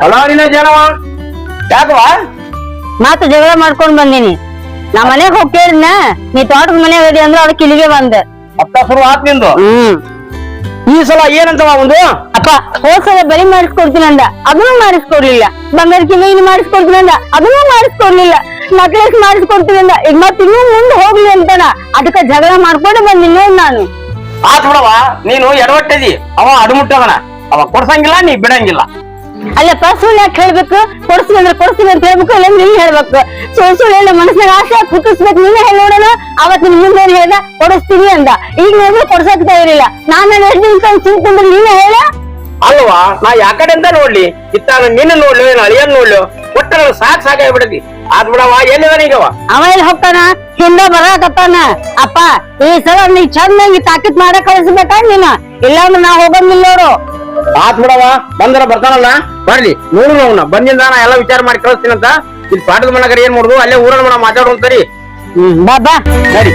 ಅಲಾರಿನ ಜನವ ಯಾಕವ ಮತ್ತ ಜಗಳ ಮಾಡ್ಕೊಂಡ್ ಬಂದಿನಿ ನಾ ಮನೆಗ್ ಹೋಗ್ ಕೇಳಿದ್ನ ನೀ ತೋಟದ ಮನೆ ಹೋದಿ ಅಂದ್ರೆ ಅದಕ್ಕೆ ಇಲ್ಲಿಗೆ ಬಂದೆ ಅಪ್ಪ ಶುರು ಆತ್ ನಿಂದು ಈ ಸಲ ಏನಂತವ ಒಂದು ಅಪ್ಪ ಹೋದ್ಸಲ ಬಲಿ ಮಾಡಿಸ್ಕೊಡ್ತೀನಿ ಅಂದ ಅದನ್ನು ಮಾಡಿಸ್ಕೊಡ್ಲಿಲ್ಲ ಬಂಗಾರ ಕಿವಿ ಮಾಡಿಸ್ಕೊಡ್ತೀನಿ ಅಂದ ಅದನ್ನು ಮಾಡಿಸ್ಕೊಡ್ಲಿಲ್ಲ ನಕ್ಲೆಸ್ ಮಾಡಿಸ್ಕೊಡ್ತೀನಿ ಅಂದ ಈಗ ಮತ್ ಇನ್ನೂ ಮುಂದೆ ಹೋಗ್ಲಿ ಅಂತಾನ ಅದಕ್ಕ ಜಗಳ ಮಾಡ್ಕೊಂಡು ಬಂದಿನಿ ನೋಡ್ ನಾನು ಆತ್ ಬಿಡವ ನೀನು ಎಡವಟ್ಟದಿ ಅವ ಅಡುಮುಟ್ಟದನ ಅವ ಕೊಡ್ಸಂಗಿಲ್ಲ ನೀ ಬಿಡಂಗಿಲ್ಲ ಅಲ್ಲಪ್ಪ ಸುಳ್ಳು ಯಾಕೆ ಹೇಳ್ಬೇಕು ಕೊಡ್ತೀನಿ ಅಂತ ಹೇಳ್ಬೇಕು ಇಲ್ಲ ನೀನ್ ಹೇಳ್ಬೇಕು ಸುಳ್ಳು ಹೇಳ ಮನಸ್ಸಿನಾಗ ಆಸೆ ಹುಟ್ಟಿಸ್ಬೇಕು ನೀನೇ ಹೇಳಿ ನೋಡೋಣ ಅವತ್ ನಿನ್ ಮುಂದೆ ಏನ್ ಹೇಳ್ದ ಕೊಡಿಸ್ತೀನಿ ಅಂದ ಈಗ ನೋಡಿದ್ರೆ ಕೊಡ್ಸಕ್ ತಯಾರಿಲ್ಲ ನಾನು ಎಷ್ಟು ದಿನ ಚಿಂತ್ಕೊಂಡ್ರೆ ನೀನೇ ಹೇಳ ಅಲ್ವಾ ನಾ ಯಾಕಡೆ ಅಂತ ನೋಡ್ಲಿ ಇತ್ತ ನಿನ್ನ ನೋಡ್ಲು ಏನ್ ಅಳಿಯನ್ ನೋಡ್ಲು ಒಟ್ಟ ಸಾಕಾಗ್ಬಿಡತಿ ಆದ್ ಬಿಡವ ಎಲ್ಲಿದಾನ ಈಗವ ಅವ ಎಲ್ಲಿ ಹೋಗ್ತಾನ ಹಿಂದ ಬರಾಕತ್ತಾನ ಅಪ್ಪ ಈ ಸಲ ನೀ ಚಂದಾಗಿ ತಾಕೀತ್ ಮಾಡಕ್ ಕಳಿಸ್ಬೇಕಾ ನೀನ ಇಲ್ಲಾಂದ್ರೆ ನಾ ಹೋಗಂಗಿಲ್ಲ ನೋಡು ಆತ್ ಬಿಡವ ಬಂದ್ರ ಬರ್ತಾನಲ್ಲ ಬರ್ಲಿ ನೋಡು ಅವನ ಬಂದಿಂದ ನಾ ಎಲ್ಲ ವಿಚಾರ ಮಾಡಿ ಕಳಿಸ್ತೀನಂತ ಇಲ್ಲಿ ಪಾಠದ ಮನಗರ ಏನ್ ಮಾಡುದು ಅಲ್ಲೇ ಊರನ್ನ ಮನ ಮಾತಾಡೋಣ ಸರಿ ಬಾ ಬಾ ಸರಿ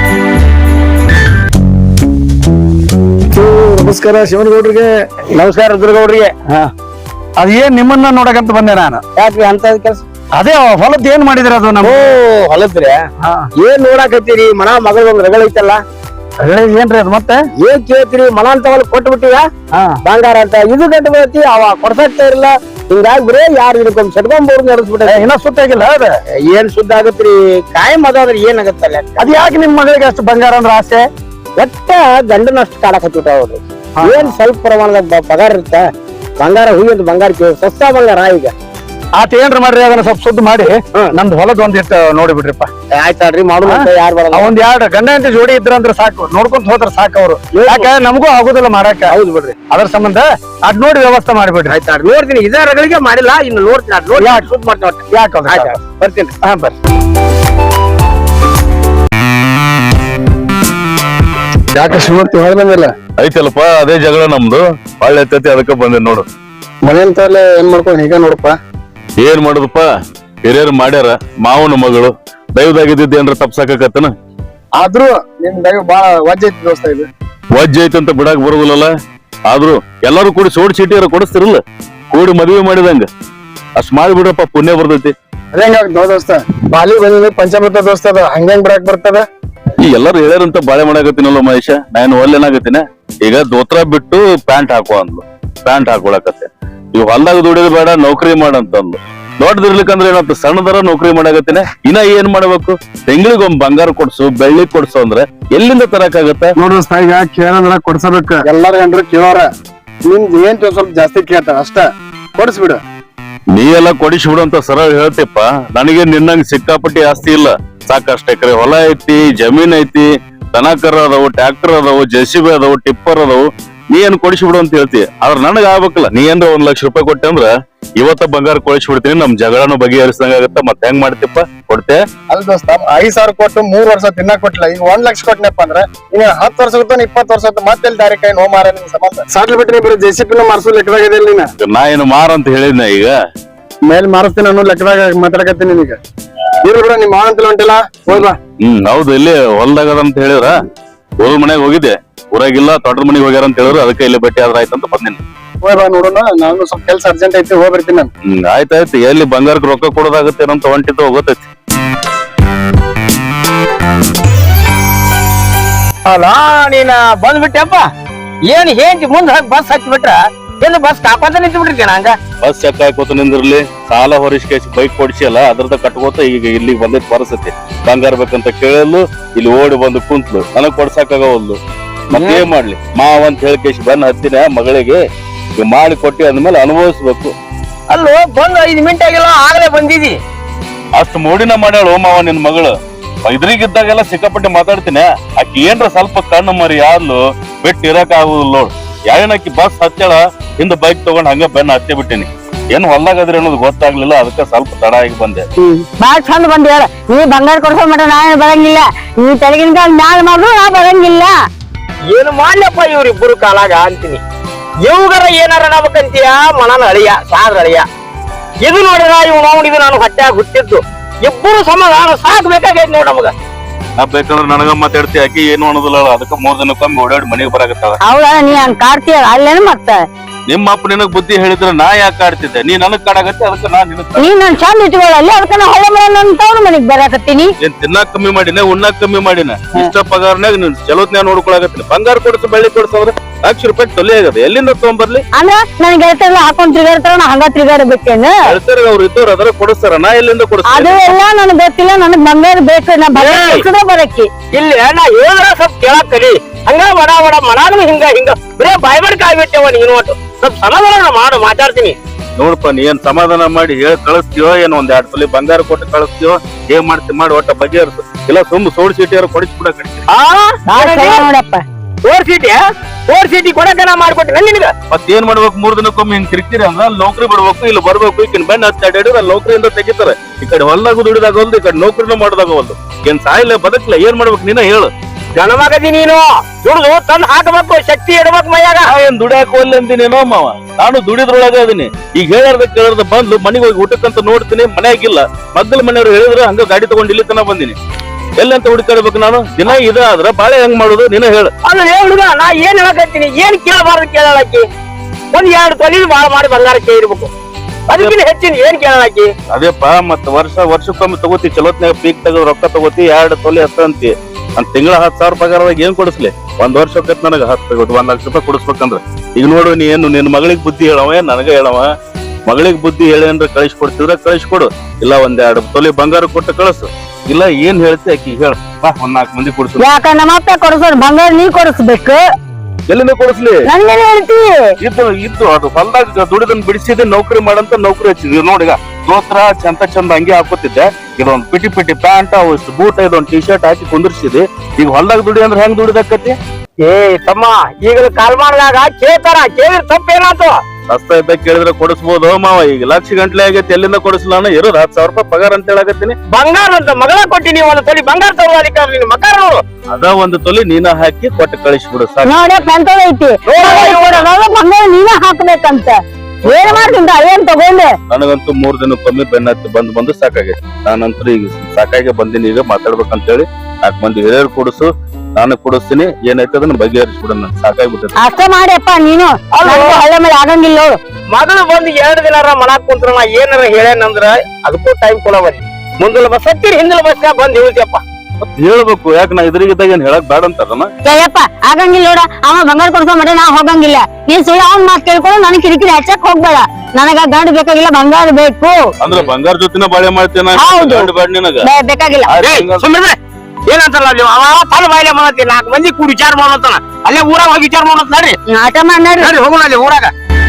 ನಮಸ್ಕಾರ ಶಿವನಗೌಡ್ರಿಗೆ. ನಮಸ್ಕಾರ ದುರ್ಗೌಡ್ರಿಗೆ. ಅದೇನ್ ನಿಮ್ಮನ್ನ ನೋಡಕಂತ ಬಂದೆ ನಾನು. ಯಾಕ್ರಿ ಅಂತ ಕೆಲಸ ಅದೇ ಹೊಲದ್ ಏನ್ ಮಾಡಿದ್ರಿ ಅದು ನಮ್ಮ ಹೊಲದ್ರಿ ಏನ್ ನೋಡಾಕತ್ತೀರಿ ಮನ ಮಗಳ ಒಂದ್ ರಗಳ ಐತಲ್ಲ ಏನ್ರಿ ಅದು ಮತ್ತೆ ಏನ್ ಕೇಳ್ತೀರಿ ಮನ ಅಂತ ಹೊಲ ಕೊಟ್ಟು ಬಿಟ್ಟಿವ ಬಂಗಾರ ಅಂತ ಇದು ಗಂಟು ಬೀಳತಿ ಅವ ಕೊಡ್ಸಾಕ್ತಾ ಇರಲ್ಲ ಹಿಂಗಾಗಿ ಬರೇ ಯಾರು ಇದಕ್ಕೊಂದ್ ಸೆಟ್ಕೊಂಡ್ಬೋರ್ ನಡೆಸ್ಬಿಟ್ಟ ಇನ್ನ ಸುತ್ತಾಗಿಲ್ಲ ಅದ ಏನ್ ಸುದ್ದ ಆಗತ್ರಿ ಕಾಯಂ ಅದಾದ್ರೆ ಏನ್ ಆಗತ್ತಲ್ಲ ಅದ್ ಯಾಕೆ ನಿಮ್ ಮಗಳಿಗೆ ಅಷ್ಟು ಬಂಗಾರ ಅಂದ್ರ ಆಸೆ ಒಟ್ಟ ಗಂಡನಷ್ಟು ಕಾಡಕತ್ತಿಟ್ಟ ಅವ್ರು ಏನ್ ಸ್ವಲ್ಪ ಪ್ರಮಾಣದ ಪಗಾರ ಇರುತ್ತ ಬಂಗಾರ ಹೂವಿಂದ ಬಂಗಾರ ಸಸ್ತಾ ಬಂಗಾರ ಈಗ ಆತ ಏನ್ರ ಮಾಡ್ರಿ ಅದನ್ನ ಸ್ವಲ್ಪ ಸುದ್ದ ಮಾಡಿ ನಮ್ದು ಹೊಲದ್ ಒಂದಿಟ್ಟು ನೋಡಿ ಬಿಡ್ರಿಪ್ಪ. ಆಯ್ತಾಳ್ರಿ ಮಾಡುವ ಯಾರು ಬರಲ್ಲ ಒಂದ್ ಎರಡು ಗಂಡ ಅಂತ ಜೋಡಿ ಇದ್ರಂದ್ರ ಸಾಕು ನೋಡ್ಕೊಂತ ಹೋದ್ರ ಸಾಕು ಅವ್ರು ಯಾಕ ನಮಗೂ ಆಗುದಿಲ್ಲ ಮಾರಾಕ. ಹೌದು ಬಿಡ್ರಿ ಅದ್ರ ಸಂಬಂಧ ಅದ್ ನೋಡಿ ವ್ಯವಸ್ಥೆ ಮಾಡಿಬಿಡ್ರಿ. ಆಯ್ತಾಳ್ರಿ ನೋಡ್ತೀನಿ ಇದೇ ರಗಳಿಗೆ ಮಾಡಿಲ್ಲ ಇನ್ನು ನೋಡ್ತೀನಿ ಅದ್ ನೋಡಿ ಸುದ್ದ ಮಾಡ್ತೀನಿ ಯಾಕೆ ಬರ್ತೀನಿ ಹಾ ಬರ್ರಿ. ಯಾಕೆ ಶಿವಮೂರ್ತಿ ಹೊರಬಂದಿಲ್ಲ ಐತಲ್ಲಪ್ಪ ಅದೇ ಜಗಳ ನಮ್ದು ಒಳ್ಳೆ ಐತೈತಿ ಅದಕ್ಕ ಬಂದೆ ನೋಡು. ಮನೆಯಂತಲ್ಲೇ ಏನ್ ಮಾಡ್ಕೊಂಡು ಈಗ ನೋಡಪ್ಪ ಏನ್ ಮಾಡುದಪ್ಪ ಹಿರಿಯರು ಮಾಡ್ಯಾರ ಮಾವನ ಮಗಳು ದೈವದಾಗಿದ್ದ ಏನ್ರ ತಪ್ಸಾಕತ್ತನ ಆದ್ರೂ ನಿಮ್ ದೈವ ಬಾಳ ವಜ್ಜ ಐತಿ ದೋಸ್ತ ಇದು. ವಜ್ಜ ಐತಂತ ಬಿಡಾಕ್ ಬರುದಿಲ್ಲಲ್ಲ. ಆದ್ರೂ ಎಲ್ಲಾರು ಕೂಡಿ ಸೋಡ್ ಚೀಟಿಯಾರ ಕೊಡಿಸ್ತಿರಲ್ಲ ಕೂಡಿ ಮದುವೆ ಮಾಡಿದಂಗ ಅಷ್ಟ್ ಮಾಡಿಬಿಡ್ರಪ್ಪ ಪುಣ್ಯ ಬರ್ತೈತಿ. ಅದೇಂಗ ದೋಸ್ತ ಬಾಲಿ ಬಂದಿದ್ದು ಪಂಚಮೃತ ದೋಸ್ತ ಅದ ಹಂಗಂಗ್ ಬಿಡಾಕ್ ಬರ್ತದ. ಈ ಎಲ್ಲಾರು ಹೇಳ್ಯಾರಂತ ಬಾಳೆ ಮಾಡಾಕತ್ತೀನಲ್ಲ ಮಹೇಶ ನಾನು ಒಲ್ಲೇನಾಗತ್ತೀನ ಈಗ ದೋತ್ರ ಬಿಟ್ಟು ಪ್ಯಾಂಟ್ ಹಾಕುವ ಅಂದ್ಲು ಪ್ಯಾಂಟ್ ಹಾಕೊಳಕತ್ತೆ ಇವ್ ಹೊಲ್ದಾಗ ದುಡಿಯೋದು ಬೇಡ ನೌಕರಿ ಮಾಡಂತಂದ್ಲು ದೊಡ್ಡದಿರ್ಲಿಕ್ಕಂದ್ರೆ ಏನಂತ ಸಣ್ಣದರ ನೌಕರಿ ಮಾಡಾಕತ್ತೀನ ಇನ್ನ ಏನ್ ಮಾಡ್ಬೇಕು ತಿಂಗಳಿಗೊಮ್ಮೆ ಬಂಗಾರ ಕೊಡ್ಸು ಬೆಳ್ಳಿ ಕೊಡ್ಸು ಅಂದ್ರೆ ಎಲ್ಲಿಂದ ತರಕಾಗತ್ತ ನೋಡ್ರಿ ಈಗ ಕೇಳಂದ್ರ ಕೊಡ್ಸಬೇಕ ಎಲ್ಲಾರ ಗಂಡ್ರು ಕೇಳೋರ ನಿಮ್ದು ಏನ್ ಸ್ವಲ್ಪ ಜಾಸ್ತಿ ಕೇಳ್ತಾರ ಅಷ್ಟ ಕೊಡಿಸ್ಬಿಡು. ನೀ ಎಲ್ಲ ಕೊಡಿಸ್ಬಿಡು ಅಂತ ಸರಳ ಹೇಳ್ತಿಪ್ಪ ನನಗೆ ನಿನ್ನಂಗ್ ಸಿಕ್ಕಾಪಟ್ಟಿ ಆಸ್ತಿ ಇಲ್ಲ ಸಾಕಷ್ಟು ಎಕರೆ ಹೊಲ ಐತಿ ಜಮೀನ್ ಐತಿ ದನಕರ ಅದಾವು ಟ್ರ್ಯಾಕ್ಟರ್ ಅದಾವು ಜೆಸಿಬಿ ಅದಾವು ಟಿಪ್ಪರ್ ಅದಾವು ನೀ ಏನ್ ಕೊಡಿಸ್ಬಿಡು ಅಂತ ಹೇಳ್ತಿ ಆದ್ರ ನನಗ ಆಗ್ಬೇಕಲ್ಲ ನೀ ಏನ್ರ 1 ಲಕ್ಷ ರೂಪಾಯಿ ಕೊಟ್ಟೆ ಅಂದ್ರ ಇವತ್ತ ಬಂಗಾರ ಕೊಡಿಸ್ಬಿಡ್ತೀನಿ ನಮ್ ಜಗಳನು ಬಗೆಹರಿಸಿದಂಗ ಆಗತ್ತ ಮತ್ತೆ ಹೆಂಗ್ ಮಾಡ್ತಿಪ್ಪ ಕೊಡ್ತೆ ಅಲ್ ದೋಸ್ತ 5,000 ಕೊಟ್ಟು 3 ವರ್ಷ ತಿನ್ನಕ್ ಕೊಟ್ಟಿಲ್ಲ ಈಗ 1 ಲಕ್ಷ ಕೊಟ್ಟನಪ್ಪ ಅಂದ್ರೆ ಈಗ 10 ವರ್ಷ 20 ವರ್ಷ ಮತ್ತೆ ದಾರಿ ಕೈ ನೋ ಮಾರ ನಿಮ್ ಸಂಬಂಧ ಸಾಟ್ಲಿ ಬಿಟ್ರಿ ಬರೀ ಜೆಸಿಪಿನ ಮಾರ್ಸೋ ಲೆಕ್ಕದಾಗಿದೆ ನೀನ ನಾ ಏನು ಮಾರಂತ ಹೇಳಿದ್ನ ಈಗ ಮೇಲ್ ಮಾರಿಸ್ತೀನಿ ಅನ್ನೋ ಲೆಕ್ಕದಾಗ ಮಾತಾಡಕತ್ತೀನಿ ನೀನೀಗ ಇರ್ಲಿ ಬಿಡ ನಿಮ್ ಮಾವಂತಲ ಹೊಂಟಿಲ್ಲ ಹೋಗ್ ಬಾ. ಹೌದು ಇಲ್ಲಿ ಹೊಲ್ದಾಗ ಅಂತ ಹೇಳಿದ್ರ ಹೋದ ಮನೆಗ್ ಹೋಗಿದ್ದೆ ಊರಾಗಿಲ್ಲ ತೋಟದ ಮನೆಗೆ ಹೋಗ್ಯಾರ ಅಂತ ಹೇಳಿದ್ರು ಅದಕ್ಕೆ ಇಲ್ಲಿ ಭೇಟಿ ಆದ್ರ ಆಯ್ತಂತ ಬಂದಿನಿ. ಹೋಗ್ ಬಾ ನೋಡೋಣ ನಾನು ಸ್ವಲ್ಪ ಕೆಲ್ಸ ಅರ್ಜೆಂಟ್ ಐತಿ ಹೋಗ್ಬಿಡ್ತೀನಿ ನಾನು. ಆಯ್ತಾಯ್ತು ಎಲ್ಲಿ ಬಂಗಾರಕ್ಕೆ ರೊಕ್ಕ ಕೊಡೋದಾಗತ್ತೆ ಅಂತ ಹೊಂಟಿದ್ದು ಹೋಗತೈತಿ. ಅಲ್ಲ ನೀನ ಬಂದ್ಬಿಟ್ಟೆಪ್ಪ ಏನ್ ಹೇಂತಿ ಮುಂದ್ ಬಸ್ ಹಚ್ಚಿ ಬಿಟ್ರ ಏನು ಬಸ್ ಕಾಕೊಂತ ನಿಂತು ಬಿಟ್ಟಿರ್ತೀನ ಹಂಗ ಬಸ್ ಚೆಕ್ ಹಾಕೋತ ನಿಂದಿರ್ಲಿ ಸಾಲ ಹೊರಿಸ್ಕೇಸಿ ಬೈಕ್ ಕೊಡ್ಸಿಯಲ್ಲ ಅದ್ರದ ಕಟ್ಕೋತ ಈಗ ಇಲ್ಲಿಗೆ ಬಂದೈತಿ ಪರಿಸ್ಥಿತಿ ಬಂಗಾರ ಬೇಕಂತ ಕೇಳಲು ಇಲ್ಲಿ ಓಡಿ ಬಂದು ಕುಂತ್ಲು ನನಗ್ ಕೊಡ್ಸಕ್ಕಾಗವಲ್ದು ಮತ್ತೇನ್ ಮಾಡ್ಲಿ ಮಾವ ಅಂತ ಹೇಳ್ಕೇಸಿ ಬಂದ್ ಹತ್ತಿನ ಮಗಳಿಗೆ ಈಗ ಮಾಡಿ ಕೊಟ್ಟಿ ಅಂದ್ಮೇಲೆ ಅನುಭವಿಸ್ಬೇಕು. ಅಲ್ಲೋ ಬಂದ್ 5 ಮಿನಿಟ್ ಆಗಿಲ್ಲ ಆಗ್ಲೇ ಬಂದಿದಿ ಅಷ್ಟು ಮೋಡಿನ ಮಾಡ್ಯಾಳು ಮಾವ ನಿನ್ ಮಗಳು ಇದ್ರಿಗಿದ್ದಾಗೆಲ್ಲ ಸಿಕ್ಕಾಪಟ್ಟೆ ಮಾತಾಡ್ತೀನಿ ಆಕಿ ಏನ್ರ ಸ್ವಲ್ಪ ಕಣ್ಣು ಮರಿ ಯಾರ್ಲು ಬಿಟ್ಟು ಇರಕ್ ಆಗುದಿಲ್ಲ ನೋಡ್ ಯಾರೇನಕಿ ಬಸ್ ಹತ್ತಾಳ ಹಿಂದ ಬೈಕ್ ತಗೊಂಡ್ ಹಂಗ ಬೆನ್ನ ಹತ್ತಿ ಬಿಟ್ಟಿನಿ ಏನ್ ಹೊಲ್ದಾಗದ್ರಿ ಅನ್ನೋದು ಗೊತ್ತಾಗ್ಲಿಲ್ಲ ಅದಕ್ಕೆ ಸ್ವಲ್ಪ ತಡ ಆಗಿ ಬಂದೆ. ಬಾಳ ಚಂದ ಬಂದ ಹೇಳ ನೀ ಬಂಗಾರ ಕೊಡ್ಸೋ ಮಟ ನಾವೇನು ಬರಂಗಿಲ್ಲ ನೀ ತೆಲಗಿನ ಕಾಲ ಮ್ಯಾಲ ಮಾಡ್ರು ನಾ ಬರಂಗಿಲ್ಲ. ಏನು ಮಾಡ್ಲಪ್ಪ ಇವ್ರಿಬ್ಬರು ಕಾಲಾಗ ಅಂತೀನಿ ಇವ್ಗರ ಏನಾರ ನಾವಕಂತೀಯ ಮನನ ಅಳಿಯ ಸಾದ್ರ ಅಳಿಯ ಇದು ನೋಡಿದ್ರ ಇವ್ ನೋಡಿದು ನಾನು ಹೊಟ್ಟ್ಯಾಗ ಹುಟ್ಟಿದ್ದು ಇಬ್ಬರು ಸಮಾಧಾನ ಸಾಕ್ಬೇಕಾಗೈತಿ ನೋಡ್ ನಮಗ. ನಾ ಬೇಕಂದ್ರ ನನಗ ಮಾತಾಡ್ತಿ ಆಕಿ ಏನು ಅನ್ನೋದಿಲ್ಲ ಅದಕ್ಕೆ 3 ದಿನಕ್ಕೊಮ್ಮೆ ಓಡಾಡಿ ಮನೆಗೆ ಬರಾಕತ್ತಾಳ. ಹೌದಾ ನೀ ಹಂಗ ಕಾಡ್ತೀಯ ಅಲ್ಲೇನು ಮತ್ತ ನಿಮ್ಮ ಅಪ್ಪ ನಿನಗ್ ಬುದ್ಧಿ ಹೇಳಿದ್ರೆ ನಾ ಯಾಕೆ ಆಡ್ತಿದ್ದೆ ನೀ ನನಗ್ ಕಾಡಾಗತ್ತೆ ಅದಕ್ಕೆ ನಾ ನಿನಗ್ ನೀನ್ ನನ್ ಚಂದ ಇಟ್ಕೊಳ್ಳಲ್ಲಿ ಅದಕ್ಕ ನಾ ಹೊಳೆ ಮನೆ ಮನೆಗ್ ಬರಾಕತ್ತೀನಿ. ಏನ್ ತಿನ್ನಾಕ್ ಕಮ್ಮಿ ಮಾಡಿನ ಉಣ್ಣಾಕ್ ಕಮ್ಮಿ ಮಾಡಿನ ಇಷ್ಟ ಪಗಾರನಾಗ ನೀನ್ ಚಲೋತ್ನ್ಯಾಗ ನೋಡ್ಕೊಳಕತ್ತೀನಿ. ಬಂಗಾರ ಕೊಡ್ಸು ಬೆಳ್ಳಿ ಕೊಡ್ಸು ಅಂದ್ರೆ ₹1,00,000 ತೊಲೆ ಆಗದೆ ಎಲ್ಲಿಂದ ತಗೊಂಬರ್ಲಿ? ಅಂದ್ರ ನನ್ ಗೆಳತಿಯರೆಲ್ಲ ಹಾಕೊಂಡ್ ತಿರ್ಗಾಡ್ತಾರ, ನಾ ಹಂಗ ತಿರ್ಗಾಡಬೇಕೇನು? ಹೇಳ್ತಾರೆ ಅವ್ರು ಇದ್ದವ್ರು ಅದರ ಕೊಡಿಸ್ತಾರ, ನಾ ಎಲ್ಲಿಂದ ಅದು ಕೊಡಿಸ್ತೀನಿ? ಎಲ್ಲ ನನಗ್ ಗೊತ್ತಿಲ್ಲ, ನನಗ್ ಬಂಗಾರ ಬೇಕು. ನಾ ಬರಕ್ಕೆ ಇಲ್ಲಿ ನಾ ಹೇಳಿದ್ರ ಸ್ವಲ್ಪ ಕೇಳಾಕ್ ಕಲಿ. ಹಂಗ ಬಡ ಬಡ ಮನಾನು ಹಿಂಗ ಬರೇ ಬಾಯ್ಬಡ್ಕ ಆಗ್ಬಿಟ್ಟೆವ ನೀನು. ಒಟ್ಟು ಸ್ವಲ್ಪ ಸಮಾಧಾನ ಮಾಡು, ಮಾತಾಡ್ತೀನಿ. ನೋಡಪ್ಪ ನೀ ಏನ್ ಸಮಾಧಾನ ಮಾಡಿ ಹೇಳಿ ಕಳಿಸ್ತೀವೋ ಏನೋ ಒಂದ್ 2 ತೊಲೆ ಬಂಗಾರ ಕೊಟ್ಟು ಕಳಿಸ್ತೀವೋ ಏನ್ ಮಾಡ್ತಿ ಮಾಡಿ ಒಟ್ಟ ಬಗೆಹರಿಸು. ಇಲ್ಲ ಸುಮ್ ಸೋಡ್ ಸೀಟಿಯಾರು ಕೊಡಿಸ್ಬಿಡ ಕಡಿಸಿ. ನೋಡಪ್ಪ. ಓರ್ ಸೀಟಿ ಕೊಡಕ ನಾ ಮಾಡ್ಕೊಟ್ಟಿನ ನಿನಗ. ಮತ್ತೇನ್ ಮಾಡ್ಬೇಕು? 3 ದಿನಕ್ಕೊಮ್ಮೆ ಹಿಂಗ್ ತಿರ್ಗ್ತೀರಿ ಅಂದ್ರ ಅಲ್ಲಿ ನೌಕರಿ ಬಿಡ್ಬೇಕು, ಇಲ್ಲಿ ಬರ್ಬೇಕು. ಈಗಿನ ಬೆನ್ನ ಹಚ್ಚಾಡಿದ್ರೆ ಅಲ್ಲಿ ನೌಕರಿಯಿಂದ ತೆಗಿತಾರೆ. ಈ ಕಡೆ ಹೊಲ್ದಾಗ ದುಡಿದಾಗಲ್ದು, ಈ ಕಡೆ ನೌಕರಿನೂ ಮಾಡೋದಾಗವಲ್ದು. ಏನ್ ಸಾಯಿಲ್ಲ ಬದಕ್ಲ ಏನ್ ಮಾಡ್ಬೇಕು ನೀನ ಹೇಳು? ಜನಮಗದಿ ನೀನು ದುಡ್ದು ತಂದ್ ಹಾಕಬೇಕು, ಶಕ್ತಿ ಇಡ್ಬೇಕು ಮೈಯಾಗ. ಏನ್ ದುಡಿಯಾಕ ಒಲ್ಲೆ ಅಂದಿನೇನೋ ಮಾವ, ನಾನು ದುಡಿದ್ರೊಳಗ ಅದೀನಿ. ಈಗ ಹೇಳಾರ್ದ ಕೇಳಾರ್ದ ಬಂದು ಮನೆಗೆ ಹೋಗಿ ಊಟಕ್ಕಂತ ನೋಡ್ತೀನಿ, ಮನ್ಯಾಗಿಲ್ಲ. ಮಗ್ಗಲ ಮನೆಯವ್ರು ಹೇಳಿದ್ರು ಹಂಗ ಗಾಡಿ ತಗೊಂಡ್ ಇಲ್ಲಿ ತನ ಬಂದಿನಿ. ಎಲ್ಲಂತ ಹುಡುಕಾಡ್ಬೇಕು ನಾನು? ದಿನ ಇದಾದ್ರ ಬಾಳೆ ಹೆಂಗ್ ಮಾಡುದು ನೀನ ಹೇಳು. ಅಲ್ಲ ಹುಡುಗ, ನಾ ಏನ್ ಹೇಳಕತ್ತೀನಿ, ಏನ್ ಕೇಳಬಾರ್ದು ಕೇಳಾಕಿ. 1-2 ತೊಲಿ ಬಾಳ ಮಾಡಿ ಬಂಗಾರ ಕೇಳಿರ್ಬೇಕು, ಅದಕ್ಕಿಂತ ಹೆಚ್ಚಿನ ಏನ್ ಕೇಳಾಕಿ? ಅದೇಪ್ಪ ಮತ್ತ ವರ್ಷಕ್ಕೊಮ್ಮೆ ತಗೋತಿ, ಚಲೋತ್ನಾಗ ಪೀಕ್ ತೆಗೆದು ರೊಕ್ಕ ತಗೋತಿ, 2 ತೊಲೆ ಅಷ್ಟ ಅಂತಿ. ನನ್ ತಿಂಗಳ 10,000 ಪಗಾರದಾಗ ಏನ್ ಕೊಡಿಸ್ಲಿ? 1 ವರ್ಷಕ್ಕೆ ನನಗ 1,00,000 ಕೊಡಿಸ್ಬೇಕಂದ್ರ ಈಗ ನೋಡು, ನೀ ಏನು ನಿನ್ ಮಗಳಿಗೆ ಬುದ್ಧಿ ಹೇಳವ ನನಗ ಹೇಳವ? ಮಗಳಿಗೆ ಬುದ್ಧಿ ಹೇಳಿ ಅಂದ್ರೆ ಕಳಿಸ್ಕೊಡ್ತಿದ್ರ ಕಳಿಸ್ಕೊಡು, ಇಲ್ಲ 1-2 ತೊಲೆ ಬಂಗಾರ ಕೊಟ್ಟು ಕಳಿಸು. ಇಲ್ಲ ಏನ್ ಹೇಳ್ತಿ ಆಕಿ ಹೇಳ, 1-4 ಮಂದಿ ಕೊಡ್ಸು. ಯಾಕ ನಮ್ಮ ಅಪ್ಪ ಕೊಡಿಸೋದು ಬಂಗಾರ ನೀ ಕೊಡಿಸ್ಬೇಕು? ಎಲ್ಲಿಂದ ಕೊಡಿಸ್ಲಿ? ನನ್ಗೇನ್ ಹೇಳ್ತಿ? ಇದ್ದು ಅದು ಹೊಲ್ದಾಗ ದುಡಿದನ್ ಬಿಡಿಸಿದೆ, ನೌಕರಿ ಮಾಡಂತ ನೌಕರಿ ಹಚ್ಚಿದ್ವಿ. ನೋಡಿಗ ದೋತ್ರ ಚಂದ ಹಂಗೆ ಹಾಕೋತಿದ್ದೆ. ಇದೊಂದ್ ಪಿಟಿ ಪ್ಯಾಂಟ್, ಅಷ್ಟು ಬೂಟ್, ಇದೊಂದ್ ಟಿ ಶರ್ಟ್ ಹಾಕಿ ಕುಂದಿರ್ಸಿದಿ. ಈಗ ಹೊಲ್ದಾಗ ದುಡಿ ಅಂದ್ರೆ ಹೆಂಗ್ ದುಡಿದಾಕತಿ? ಏ ತಮ್ಮ, ಈಗಲ ಕಾಲ್ ಮಾಡಿದಾಗ ಕೇಳ್ತಾರ, ಕೇಳಿದ್ರ ತಪ್ಪೇನಾತು? ರಸ್ತೆ ಇದ್ದಾಗ ಕೇಳಿದ್ರೆ ಕೊಡಿಸ್ಬೋದು ಮಾವ. ಈಗ ಲಕ್ಷ ಗಂಟ್ಲೆ ಆಗೈತಿ, ಎಲ್ಲಿಂದ ಕೊಡಿಸ್ಲಾನ? ಇರೋದು 10,000 ರೂಪಾಯಿ ಪಗಾರ ಅಂತ ಹೇಳಕತ್ತೀನಿ. ಬಂಗಾರ ಅಂತ ಮಗಳ ಕೊಟ್ಟಿನಿ, 1 ತೊಲಿ ಬಂಗಾರ ತಗೋದಿಕ್ಕ ನಿನ್ ಮಕಾರ ನೋಡು. ಅದ 1 ತೊಲಿ ನೀನ ಹಾಕಿ ಕೊಟ್ಟು ಕಳಿಸ್ಬಿಡು ಸಾಕು. ನೋಡಪ್ಪ ಎಂತ ಐತಿ ಬಂಗಾರ ನೀನ ಹಾಕ್ಬೇಕಂತ ಏನ್ ಮಾಡ್ತಿಂದ ಏನ್ ತಗೊಂಡೆ? ನನಗಂತೂ 3 ದಿನಕ್ಕೊಮ್ಮೆ ಬೆನ್ನತ್ತಿ ಬಂದು ಸಾಕಾಗೈತಿ. ನಾನಂತೂ ಈಗ ಸಾಕಾಗಿ ಬಂದಿನಿ. ಈಗ ಮಾತಾಡ್ಬೇಕಂತೇಳಿ 4 ಮಂದಿ ಹಿರಿಯರು ಕೊಡಿಸು, ನಾನು ಕೊಡಿಸ್ತೀನಿ. ಏನೈತೆ ಅದನ್ನ ಬಗೆಹರಿಸ್ಬಿಡ. ನನ್ ಸಾಕಾಗ್ಬಿಟ್ಟೈತಿ. ಅಷ್ಟ ಮಾಡಿಯಪ್ಪ ನೀನು. ಹಳ್ಳ ಮೇಲೆ ಆಗಂಗಿಲ್ಲ ನೋಡು. ಮಗಳು ಬಂದು 2 ದಿನಾರ ಮನಾಕ್ ಕುಂತ್ರ ನಾ ಏನಾರ ಹೇಳೇನಂದ್ರ ಅದಕ್ಕೂ ಟೈಮ್ ಕೊಡವಲ್ಲಿ. ಮುಂದಲ ಬಸ್ ಹತ್ತಿರ ಹಿಂದಲ ಬಸ್ ಬಂದ್ ಹೇಳ್ತಿಯಪ್ಪ. ಮತ್ ಹೇಳ್ಬೇಕು, ಯಾಕೆ ನಾ ಇದ್ರಿಗಿದ್ದಾಗ ಏನ್ ಹೇಳಕ್ ಬೇಡ ಅಂತಾರನ? ಏಯಪ್ಪ ಆಗಂಗಿಲ್ಲ ನೋಡ. ಅವ ಬಂಗಾರ ಕೊಡ್ಸೋ ಮಟ್ಟ ನಾ ಹೋಗಂಗಿಲ್ಲ. ನೀನ್ ಸುಳ್ಳು ಅವ್ನ್ ಮಾತ್ ಕೇಳ್ಕೊಂಡು ನನ್ ಕಿರಿಕಿರಿ ಹಚ್ಚಕ್ ಹೋಗ್ಬೇಡ. ನನಗ ಗಂಡ ಬೇಕಾಗಿಲ್ಲ, ಬಂಗಾರ ಬೇಕು. ಅಂದ್ರೆ ಬಂಗಾರ ಜೊತೆನ ಬಾಳೆ ಮಾಡ್ತೇನ? ಹೌದು. ಗಂಡ ಬೇಡ ನಿನಗ? ಬೇಕಾಗಿಲ್ಲ. ಸುಮ್ಮನೆ ಏನಂತಾರ ಅವ ತನ್ನ ಬಾಯಿಲೆ ಮಾಡತ್ತಿ, 4 ಮಂದಿ ಕೂಡಿ ವಿಚಾರ ಮಾಡತ್ತಾನ. ಅಲ್ಲೇ ಊರಾಗ ಹೋಗಿ ವಿಚಾರ ಮಾಡತ್ ನಡ್ರಿ. ಆಟ ಮಾಡಿ ಹೋಗೋಣ ಅಲ್ಲಿ ಊರಾಗ.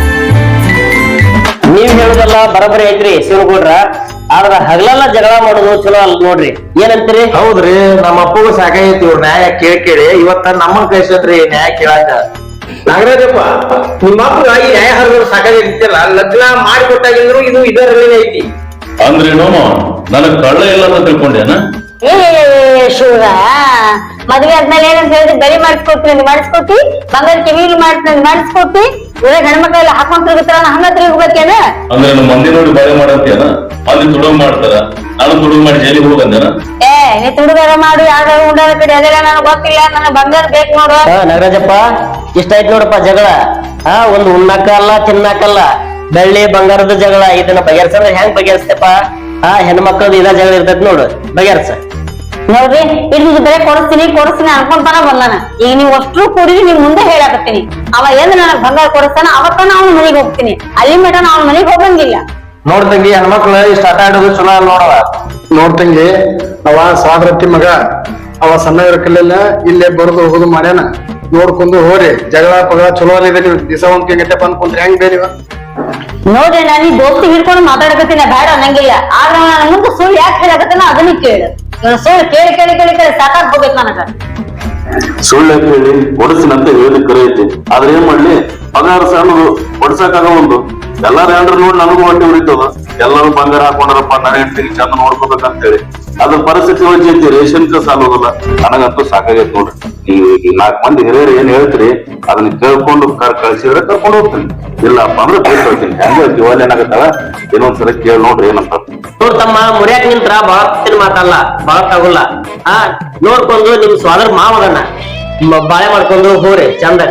ನೀವ್ ಹೇಳುದಲ್ಲ ಬರಬರಿ ಐತ್ರಿ ಶಿವಗೌಡ್ರ. ಆದ್ರ ಹಗಲೆಲ್ಲ ಜಗಳ ಮಾಡೋದು ಚಲೋ ಅಲ್ಲ ನೋಡ್ರಿ, ಏನಂತೀರಿ? ಹೌದ್ರಿ, ನಮ್ಮ ಅಪ್ಪಗೂ ಸಾಕಾಗೈತಿ ಇವ್ರ ನ್ಯಾಯ ಕೇಳಿ. ಇವತ್ತ ನಮ್ಮನ್ ಕಳ್ಸತ್ರಿ ನ್ಯಾಯ ಕೇಳಾಕ. ನಾಗರಾಜಪ್ಪ, ನಿಮ್ಮ ಅಪ್ಪ ಈ ನ್ಯಾಯ ಹರಿದ್ರು ಸಾಕಾಗಿರ್ತಿಲ್ಲ. ಲಗ್ನ ಮಾಡಿಕೊಟ್ಟಾಗಿದ್ರು ಇದು ಇದರಲ್ಲಿ ಐತಿ ಅಂದ್ರೇನು? ನನಗ್ ಕಳ್ಳ ಇಲ್ಲ ಅಂತ ತಿಳ್ಕೊಂಡೇನ? ಏ ಶಿವ, ಮದ್ವೆ ಆದ್ಮೇಲೆ ಏನಂತ ಹೇಳಿದ್ರೆ ಬರಿ ಮಾಡಿಸ್ಕೊಡ್ತೀನಿ ಮಾಡಿಸ್ಕೊಟ್ಟಿ, ಬಂಗಾರ ಕಿವಿಲಿ ಮಾಡ್ತೀನಿ ಮಾಡಿಸ್ಕೊಟ್ಟಿ, ಇವಾಗ ಹೆಣ್ಮಕ್ಳೆಲ್ಲ ಹಾಕೊಂಡ್ ತಿರುಗುತ್ತಾರ, ಹಂಗ ತಿರುಗ್ಬೇಕೇನ? ಅಂದ್ರೆ ಮಂದಿ ನೋಡಿ ಬಾಳೆ ಮಾಡಂತೇನ? ಅಲ್ಲಿ ತುಡುಗ್ ಮಾಡ್ತಾರ, ನಾನು ತುಡುಗ್ ಮಾಡಿ ಜೈಲಿಗೆ ಹೋಗಂದೇನ? ಏ ನೀ ತುಡುಗಾರ ಮಾಡು, ಯಾರು ಉಂಡಾರ ಕಡೆ ಅದೆಲ್ಲ ನನಗ್ ಗೊತ್ತಿಲ್ಲ. ನನಗ್ ಬಂಗಾರ ಬೇಕು ನೋಡು. ನಾಗರಾಜಪ್ಪ, ಇಷ್ಟ ಆಯ್ತು ನೋಡಪ್ಪ ಜಗಳ. ಒಂದು ಉಣ್ಣಾಕಲ್ಲ ತಿನ್ನಾಕಲ್ಲ, ಬೆಳ್ಳಿ ಬಂಗಾರದ ಜಗಳ. ಇದನ್ನ ಬಗೆಹರ್ಸಂದ್ರೆ ಹೆಂಗ್ ಬಗೆಹರಿಸ್ತೇಪ? ಹೆಣ್ಮಕ್ಳದ್ ಇದ ಜಗಳ ಇರ್ತೈತಿ ನೋಡು, ಬಗೆಹರ್ಸ. ನೋಡ್ರಿ, ಇಲ್ಲಿ ಬರೇ ಕೊಡಿಸ್ತೀನಿ ಅನ್ಕೊಂತಾನ ಬಂದಾನ. ಈಗ ನೀವ್ ಅಷ್ಟ್ರು ಕೂಡಿ ನಿಮ್ ಮುಂದೆ ಹೇಳಾಕತ್ತೀನಿ. ಅವ ಏನ್ ನನಗ್ ಬಂಗಾರ ಕೊಡಿಸ್ತಾನ ಅವತ್ತನ ಅವ್ನ ಮನೆಗೆ ಹೋಗ್ತೀನಿ. ಅಲ್ಲಿ ಮಟ ಅವ್ನ ಮನೆಗೆ ಹೋಗಂಗಿಲ್ಲ. ನೋಡ್ತಂಗಿ, ಹೆಣ್ಮಕ್ಳು ಇಷ್ಟ ಆಟ ಆಡೋದು ಚಲೋ ಅಲ್ಲ ನೋಡವ. ನೋಡ್ತಂಗಿ, ಅವ ಸ್ವಾದ್ರತಿ ಮಗ, ಅವ ಸಣ್ಣ ಇರಕಲ್ಲ, ಇಲ್ಲೇ ಬರೋದು ಹೋಗೋದು ಮಾಡ್ಯಾನ. ನೋಡ್ಕೊಂಡು ಹೋರಿ, ಜಗಳ ಪಗಳ ಚಲೋ ಅಲ್ಲಿದೆ. ನೀವು ದಿವಸ ಒಂದ್ ಗಂಟೆ ಬಂದ್ಕೊಂಡ್ರೆ ಹೆಂಗ್ ಬೇರಿವ? ನೋಡ್ರಿ, ನಾನು ಈ ದೋಸ್ತಿ ಹಿಡ್ಕೊಂಡು ಮಾತಾಡಕತ್ತೀನಿ, ಬೇಡ ಅನ್ನಂಗಿಲ್ಲ. ಆದ್ರೆ ನನ್ನ ಮುಂದೆ ಸುಳ್ಳು ಯಾಕೆ ಹೇಳಕತ್ತಾನ ಅದನ್ನ ಕೇಳು. ಸುಳ್ಳು ಕೇಳಿ ಕೇಳಿ ಕೇಳಿ ಕೇಳಿ ಸಾಕಾಗ್ ಹೋಗ್ಬೇಕು ನನಗ. ಸುಳ್ಳು ಹೇಳಿ ಕೊಡಿಸಿನಂತ ಹೇಳಿದ್ ಕರೆ ಐತಿ. ಆದ್ರೆ ಏನ್ ಮಾಡ್ಲಿ, ಪಗಾರ ಸಣ್ಣದು ಕೊಡ್ಸಕ್ಕಾಗ ಒಂದು. ಎಲ್ಲಾರು ಹೇಳ್ರು ನೋಡಿ ನನಗೂ ಹೊಟ್ಟೆ ಉರಿತದ. ಎಲ್ಲರೂ ಬಂಗಾರ ಹಾಕೊಂಡ್ರಪ್ಪ, ನನ್ನ ಹೆಂಡತಿಗೆ ಚಂದ ನೋಡ್ಕೋಬೇಕಂತ ಹೇಳಿ. ಅದ್ರ ಪರಿಸ್ಥಿತಿ ವಜ್ಜೈತಿ, ರೇಷನ್ ಸಾಲೋದಿಲ್ಲ. ನನಗಂತೂ ಸಾಕಾಗೈತಿ ನೋಡ್ರಿ. ನೀವು ಈಗ 4 ಮಂದಿ ಹಿರಿಯರು ಏನ್ ಹೇಳ್ತೀರಿ ಅದನ್ನ ಕೇಳ್ಕೊಂಡು ಕಳ್ಸಿದ್ರೆ ಕರ್ಕೊಂಡು ಹೋಗ್ತೀನಿ. ಇಲ್ಲಪ್ಪ ಅಂದ್ರೆ ಬೇಸ್ ಹೋಗ್ತೀನಿ. ಹೆಂಗ ಜೀವನ ಏನಾಗತ್ತಲ್ಲ, ಏನೊಂದ್ಸಲ ಕೇಳಿ ನೋಡ್ರಿ ಏನಂತ. ನೋಡ್ತಮ್ಮ, ಮುರಿಯಾಕ ನಿಂತ್ರ ಬಾಳ ಮಾತಲ್ಲ, ಬಾಳ ತಗೊಲ್ಲ. ನೋಡ್ಕೊಂಡು ನಿಮ್ ಸ್ವಾದರ್ ಮಾವದನ್ನ ಬಾಳೆ ಮಾಡ್ಕೊಂಡು ಹೋಗ್ರಿ ಚಂದಾಗ.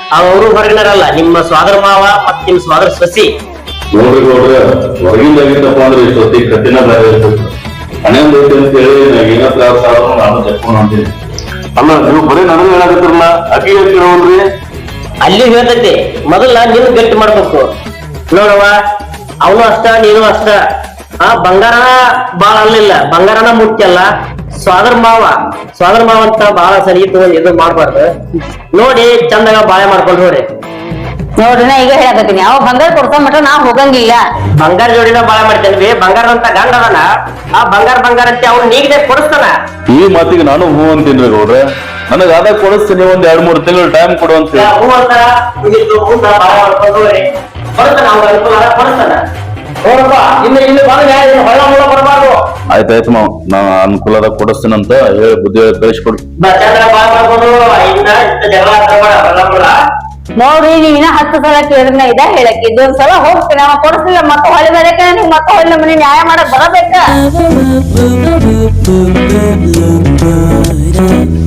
ಅವರು ಹೊರಗಿನರಲ್ಲ, ನಿಮ್ಮ ಸ್ವಾದರ ಮಾವ ಮತ್ ನಿಮ್ ಸ್ವಾದರ ಸೊಸಿ. ನೋಡ್ರಿ ನೋಡ್ರಿ ಹೊರಗಿಂದಾಗಿದ್ದಪ್ಪ ಅಂದ್ರೆ ಇಷ್ಟೊತ್ತಿ ಕತ್ತಿನ ಬೇರೆ ಇರ್ತದೆ. ಹಣೆಂದ ಐತಿ ಅಂತ ಹೇಳಿ ನಾ ಏನ ತ್ರಾಸ ಆದ್ರೂ ನಾನು ಜಪ್ಕೊಂಡು ಅಂತೀನಿ. ಅಲ್ಲ ನೀವು ಬರೀ ನನಗೆ ಹೇಳಕತ್ತಿರಲ್ಲ, ಅಕ್ಕಿ ಹೇಳ್ತಿರೋಲ್ರಿ. ಅಲ್ಲಿ ಹೇಳ್ತೈತಿ ಮೊದಲ ನೀನು ಗಟ್ಟಿ ಮಾಡ್ಬೇಕು ನೋಡವ. ಅವನು ಅಷ್ಟ ನೀನು ಅಷ್ಟ. ಬಂಗಾರ ಬಾಳ ಅಲ್ಲಿಲ್ಲ, ಬಂಗಾರನ ಮುಖ್ಯ ಅಲ್ಲ. ಸ್ವಾದರ ಮಾವ ಅಂತ ಬಹಳ ಸರಿ ಇದು ಮಾಡ್ಬಾರ್ದು. ನೋಡಿ ಚಂದಾಗ ಬಾಳೆ ಮಾಡ್ಕೊಂಡು ನೋಡಿ. ನೋಡ್ರಿ ನಾ ಈಗ ಹೇಳಕತ್ತೀನಿ, ಅವ ಬಂಗಾರ ಕೊಡ್ಸೋ ಮಟ್ಟ ನಾ ಹೋಗಂಗಿಲ್ಲ. ಬಂಗಾರ ಜೋಡಿನ ಬಾಳೆ ಮಾಡ್ತೇನ್ವಿ. ಬಂಗಾರ ಅಂತ ಗಂಡ ಅದನ, ಆ ಬಂಗಾರ ಅಂತ ಅವ್ನು ನೀಗದೆ ಕೊಡಿಸ್ತಾನ. ಈ ಮಾತಿಗೆ ನಾನು ಹೂ ಅಂತೀನಿ ಗೌಡ್ರೆ. ನನಗ ಅದ ಕೊಡಿಸ್ತೀನಿ, ಒಂದ್ 2-3 ತಿಂಗಳು ಟೈಮ್ ಕೊಡು ಅಂತ ಹೇಳಿ. ಹೂ ಅಂತಾರ, ಬಾಳೆ ಮಾಡ್ಕೊಂಡು ಹೋಗ್ರಿ. ಕೊಡ್ತಾನ, ಅವ್ನ ಅನುಕೂಲ ಕೊಡಿಸ್ತಾನ. ನೋಡಪ್ಪ ಇಲ್ಲಿ ಬಂದ ಹೊಳ್ಳ ಮುಳ್ಳ ಕೊಡಬಾರ್ದು. ಆಯ್ತಾಯ್ತು ಮಾವ, ನಾ ಅನುಕೂಲದ ಕೊಡಿಸ್ತೀನಂತ ಹೇಳಿ ಬುದ್ಧಿ ಹೇಳಿ ಕಳಿಸ್ಕೊಡು. ಚಂದ್ರ ಬಾಳೆ ಮಾಡ್ಕೊಂಡು ಇನ್ನ ಜಗಳ ಆಡ್ತಾರ ಹೊಳ್ಳ ಮುಳ್ಳ. ನೋಡ್ರಿ ನೀವ್ ಇನ್ನ 10 ಸಲ ಕೇಳಿದ್ರೆ ನಾ ಇದ ಹೇಳಕ್ ಇದೊಂದ್ ಸಲ ಹೋಗ್ತೀನಿ, ಅವ ಕೊಡಿಸ್ಲಿಲ್ಲ ಮತ್ತೆ ಹೊಳೆ ಬರಕ ನೀವ್ ಮತ್ತೆ ಹೊಳೆ ಮನೆ ನ್ಯಾಯ ಮಾಡಕ್ ಬರಬೇಕ.